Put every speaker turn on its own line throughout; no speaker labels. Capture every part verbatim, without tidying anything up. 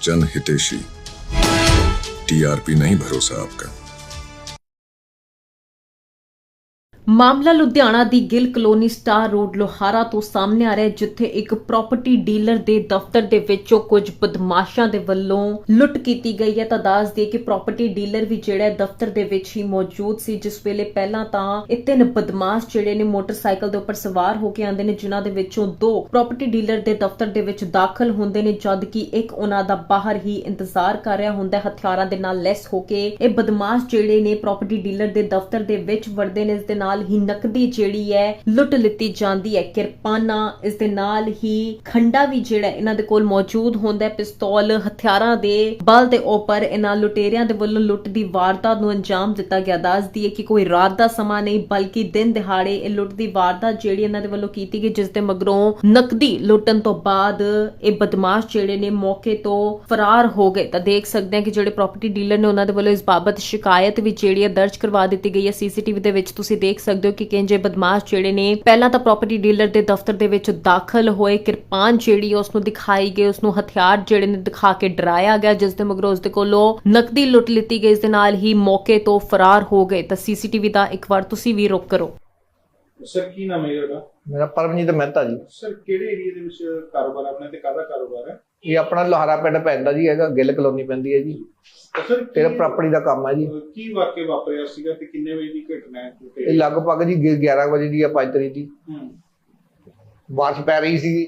जन हितेशी। टीआरपी नहीं भरोसा आपका।
ਮਾਮਲਾ ਲੁਧਿਆਣਾ ਦੀ Gill colony star road Lohara ਤੋਂ ਸਾਹਮਣੇ ਆ ਰਿਹਾ ਹੈ, ਜਿੱਥੇ ਇੱਕ ਪ੍ਰਾਪਰਟੀ ਡੀਲਰ ਦੇ ਦਫ਼ਤਰ ਦੇ ਵਿੱਚੋਂ ਕੁਝ ਬਦਮਾਸ਼ਾਂ ਦੇ ਵੱਲੋਂ ਲੁੱਟ ਕੀਤੀ ਗਈ ਹੈ। ਤਾਂ ਦੱਸ ਦਈਏ ਕਿ ਪ੍ਰਾਪਰਟੀ ਡੀਲਰ ਵੀ ਜਿਹੜਾ ਹੈ ਦਫ਼ਤਰ ਦੇ ਵਿੱਚ ਹੀ ਮੌਜੂਦ ਸੀ, ਜਿਸ ਵੇਲੇ ਪਹਿਲਾਂ ਤਾਂ ਇਹ ਤਿੰਨ ਬਦਮਾਸ਼ ਜਿਹੜੇ ਨੇ ਮੋਟਰਸਾਈਕਲ ਦੇ ਉੱਪਰ ਸਵਾਰ ਹੋ ਕੇ ਆਉਂਦੇ ਨੇ, ਜਿਨ੍ਹਾਂ ਦੇ ਵਿੱਚੋਂ ਦੋ ਪ੍ਰਾਪਰਟੀ ਡੀਲਰ ਦੇ ਦਫ਼ਤਰ ਦੇ ਵਿੱਚ ਦਾਖਲ ਹੁੰਦੇ ਨੇ, ਜਦ ਕਿ ਇੱਕ ਉਹਨਾਂ ਦਾ ਬਾਹਰ ਹੀ ਇੰਤਜ਼ਾਰ ਕਰ ਰਿਹਾ ਹੁੰਦਾ ਹੈ ਹਥਿਆਰਾਂ ਦੇ ਨਾਲ ਲੈਸ ਹੋ ਕੇ। ਇਹ ਬਦਮਾਸ਼ ਜਿਹੜੇ ਨੇ ਪ੍ਰਾਪਰਟੀ ਡੀਲਰ ਦੇ ਦਫ਼ਤਰ ਦੇ ਵਿੱਚ ਵੜਦੇ ਨੇ, ਇਸ ਦੇ ਨਾਲ ਹੀ ਨਕਦੀ ਜਿਹੜੀ ਹੈ ਲੁੱਟ ਲਿੱਤੀ ਜਾਂਦੀ ਹੈ, ਕਿਰਪਾਨਾਂ, ਇਸ ਦੇ ਨਾਲ ਹੀ ਖੰਡਾ ਵੀ ਜਿਹੜਾ ਇਹਨਾਂ ਦੇ ਕੋਲ ਮੌਜੂਦ ਹੁੰਦਾ ਹੈ। ਪਿਸਤੌਲ ਹਥਿਆਰਾਂ ਦੇ ਬਲ ਦੇ ਉੱਪਰ ਇਹਨਾਂ ਲੁਟੇਰਿਆਂ ਦੇ ਵੱਲੋਂ ਲੁੱਟ ਦੀ ਵਾਰਦਾਤ ਨੂੰ ਅੰਜਾਮ ਦਿੱਤਾ ਗਿਆ। ਦੱਸਦੀ ਹੈ ਕਿ ਕੋਈ ਰਾਤ ਦਾ ਸਮਾਂ ਨਹੀਂ ਬਲਕਿ ਦਿਨ ਦਿਹਾੜੇ ਇਹ ਲੁੱਟ ਦੀ ਵਾਰਦਾਤ ਜਿਹੜੀ ਇਹਨਾਂ ਦੇ ਵੱਲੋਂ ਕੀਤੀ ਗਈ, ਜਿਸ ਦੇ ਮਗਰੋਂ ਨਕਦੀ ਲੁੱਟਣ ਤੋਂ ਬਾਅਦ ਇਹ ਬਦਮਾਸ਼ ਜਿਹੜੇ ਨੇ ਮੌਕੇ ਤੋਂ ਫਰਾਰ ਹੋ ਗਏ। ਤਾਂ ਦੇਖ ਸਕਦੇ ਹਾਂ ਕਿ ਜਿਹੜੇ ਪ੍ਰਾਪਰਟੀ ਡੀਲਰ ਨੇ ਉਹਨਾਂ ਦੇ ਵੱਲੋਂ ਇਸ ਬਾਬਤ ਸ਼ਿਕਾਇਤ ਵੀ ਜਿਹੜੀ ਹੈ ਦਰਜ ਕਰਵਾ ਦਿੱਤੀ ਗਈ ਹੈ। ਸੀਸੀਟੀਵੀ ਦੇ ਵਿੱਚ ਤੁਸੀਂ ਦੇਖ ਸਕਦੇ ਹੋ ਕਿ ਕਿੰਜੇ ਬਦਮਾਸ਼ ਜਿਹੜੇ ਨੇ ਪਹਿਲਾਂ ਤਾਂ ਪ੍ਰਾਪਰਟੀ ਡੀਲਰ ਦੇ ਦਫ਼ਤਰ ਦੇ ਵਿੱਚ ਦਾਖਲ ਹੋਏ, ਕਿਰਪਾਨ ਜਿਹੜੀ ਉਸ ਨੂੰ ਦਿਖਾਈ ਗਈ, ਉਸ ਨੂੰ ਹਥਿਆਰ ਜਿਹੜੇ ਨੇ ਦਿਖਾ ਕੇ ਡਰਾਇਆ ਗਿਆ, ਜਿਸ ਦੇ ਮਗਰੋਂ ਉਸ ਦੇ ਕੋਲੋਂ ਨਕਦੀ ਲੁੱਟ ਲਿੱਤੀ ਗਈ, ਇਸ ਦੇ ਨਾਲ ਹੀ ਮੌਕੇ ਤੋਂ ਫਰਾਰ ਹੋ ਗਏ। ਤਾਂ ਸੀਸੀਟੀਵੀ ਦਾ ਇੱਕ ਵਾਰ ਤੁਸੀਂ ਵੀ ਰੁਕ ਕਰੋ।
ਸਰ ਕੀ ਨਾਮ ਹੈ ਤੁਹਾਡਾ?
ਮੇਰਾ ਪਰਮਜੀਤ ਮਹਿਤਾ ਜੀ।
ਸਰ ਕਿਹੜੇ ਏਰੀਆ ਦੇ ਵਿੱਚ ਕਾਰੋਬਾਰ ਆਪਣਾ ਤੇ ਕਾਹਦਾ ਕਾਰੋਬਾਰ ਹੈ?
ਇਹ ਆਪਣਾ ਲੋਹਾਰਾ ਪਿੰਡ ਪੈਂਦਾ ਜੀ, ਹੈਗਾ ਗਿੱਲ ਕਲੋਨੀ ਪੈਂਦੀ ਹੈ ਜੀ।
ਸਰ
ਤੇਰਾ ਪ੍ਰਾਪਰਟੀ ਦਾ ਕੰਮ ਹੈ ਜੀ।
ਕੀ ਵਾਕਿਆ ਵਾਪਰਿਆ ਸੀਗਾ ਤੇ ਕਿੰਨੇ ਵਜੇ ਦੀ ਘਟਨਾ ਹੈ?
ਇਹ ਲਗਭਗ ਜੀ ਗਿਆਰਾਂ ਵਜੇ ਦੀ ਆ, ਪੰਜ ਤਰੀਕ ਦੀ।
ਹੂੰ
ਬਾਰਿਸ਼ ਪੈ ਰਹੀ ਸੀਗੀ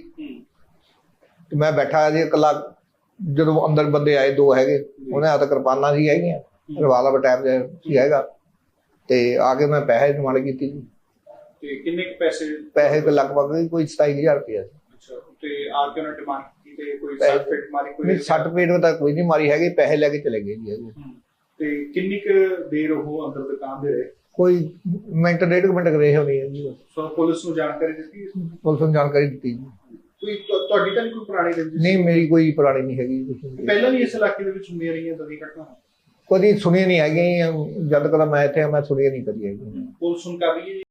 ਤੇ ਮੈਂ ਬੈਠਾ ਜੀ ਇਕੱਲਾ, ਜਦੋਂ ਅੰਦਰ ਬੰਦੇ ਆਏ ਦੋ ਹੈਗੇ, ਉਹਨੇ ਹੱਥ ਕਿਰਪਾਨਾਂ ਸੀ ਹੈਗੀਆਂ, ਰਿਵਾਲਵਰ ਟਾਈਪ ਸੀ ਹੈਗਾ, ਤੇ ਆ ਕੇ ਮੈਂ ਪੈਸੇ ਡਿਮਾਂਡ ਕੀਤੀ ਜੀ।
ਤੇ ਕਿੰਨੇ ਕੁ ਪੈਸੇ?
ਪੈਸੇ ਤੇ ਲਗਭਗ ਕੋਈ ਸਤਾਈ ਹਜ਼ਾਰ ਰੁਪਇਆ ਸੀ।
ਅੱਛਾ, ਤੇ ਆ ਕੇ ਉਹਨਾਂ ਡਿਮਾਂਡ ਕੀਤੀ ਤੇ ਕੋਈ ਸੱਟ ਫੇਟ ਮਾਰੀ? ਕੋਈ
ਸੱਟ ਪੇਟ ਤਾਂ ਕੋਈ ਨਹੀਂ ਮਾਰੀ ਹੈਗੀ, ਪੈਸੇ ਲੈ ਕੇ ਚਲੇ ਗਏ ਜੀ ਹੈਗੇ।
ਤੇ ਕਿੰਨੀ ਕੁ ਦੇਰ ਉਹ ਅੰਦਰ ਦੁਕਾਨ ਦੇ ਰਹੇ?
ਕੋਈ ਮਿੰਟ ਡੇਢ ਕੁ ਮਿੰਟ ਰਹੇ ਹੋਣੀ ਹੈ ਜੀ।
ਸੋ ਪੁਲਿਸ ਨੂੰ ਜਾਣਕਾਰੀ ਦਿੱਤੀ?
ਪੁਲਿਸ ਨੂੰ ਜਾਣਕਾਰੀ ਦਿੱਤੀ ਜੀ।
ਕੋਈ ਤੁਹਾਡੀ ਤਾਂ ਨਹੀਂ ਕੋਈ ਪੁਰਾਣੀ ਰੰਜਿਸ਼?
ਨਹੀਂ, ਮੇਰੀ ਕੋਈ ਪੁਰਾਣੀ ਨਹੀਂ ਹੈਗੀ।
ਪਹਿਲਾਂ ਵੀ ਇਸ ਇਲਾਕੇ ਦੇ ਵਿੱਚ ਹੁੰਦੀਆਂ ਰਹੀਆਂ ਤਾਂ ਘਟਨਾ?
ਕਦੀ ਸੁਣੀ ਨਹੀਂ ਹੈਗੀ, ਜਦ ਕਦਾ ਮੈਂ ਇੱਥੇ ਮੈਂ ਸੁਣੀ ਨਹੀਂ ਕਦੀ ਹੈਗੀ।
ਪੁਲਿਸ ਹੁਣ ਕਰ ਰਹੀ ਹੈ?